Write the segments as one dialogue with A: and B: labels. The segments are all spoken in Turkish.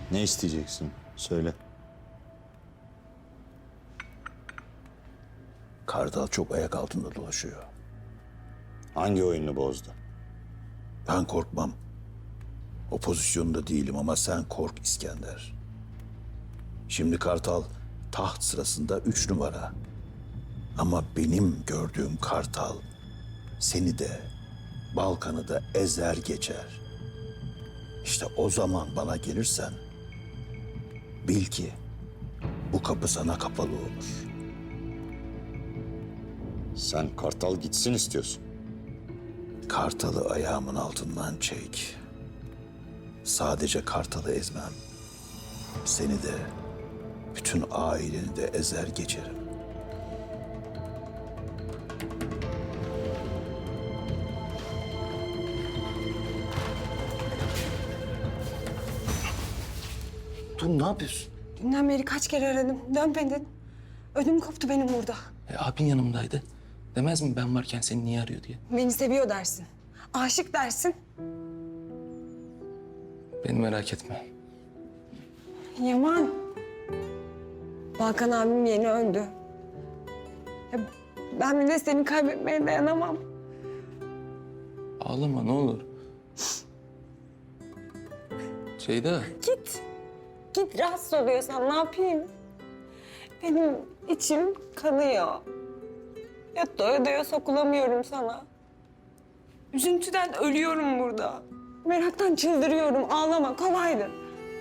A: Ne isteyeceksin? Söyle.
B: Kartal çok ayak altında dolaşıyor.
A: Hangi oyununu bozdu?
B: Ben korkmam. O pozisyonda değilim ama sen kork İskender. Şimdi Kartal taht sırasında 3 numara. Ama benim gördüğüm Kartal seni de Balkan'ı da ezer geçer. İşte o zaman bana gelirsen bil ki bu kapı sana kapalı olur.
A: Sen Kartal gitsin istiyorsun.
B: Kartalı ayağımın altından çek. Sadece Kartalı ezmem. Seni de, bütün aileni de ezer geçerim.
C: Dur ne yapıyorsun?
D: Dünden beri kaç kere aradım. Dönmedin. Ödüm koptu benim burada.
C: Abin yanımdaydı. Demez mi ben varken seni niye arıyor diye?
D: Beni seviyor dersin. Aşık dersin.
C: Beni merak etme.
D: Yaman. Balkan abim yeni öldü. Ya ben bir de seni kaybetmeye dayanamam.
C: Ağlama ne olur. Ceyda.
D: Git. Git, rahatsız oluyorsan ne yapayım? Benim içim kanıyor. Ya doya doya sokulamıyorum sana. Üzüntüden ölüyorum burada. Meraktan çıldırıyorum. Ağlama, kolaydı.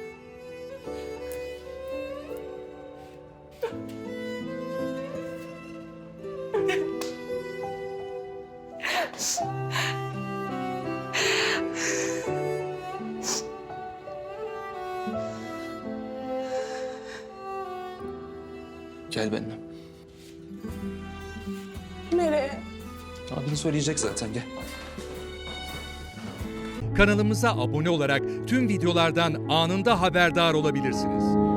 C: Gel benimle.
D: Nereye?
C: Abin söyleyecek zaten gel.
E: Kanalımıza abone olarak tüm videolardan anında haberdar olabilirsiniz.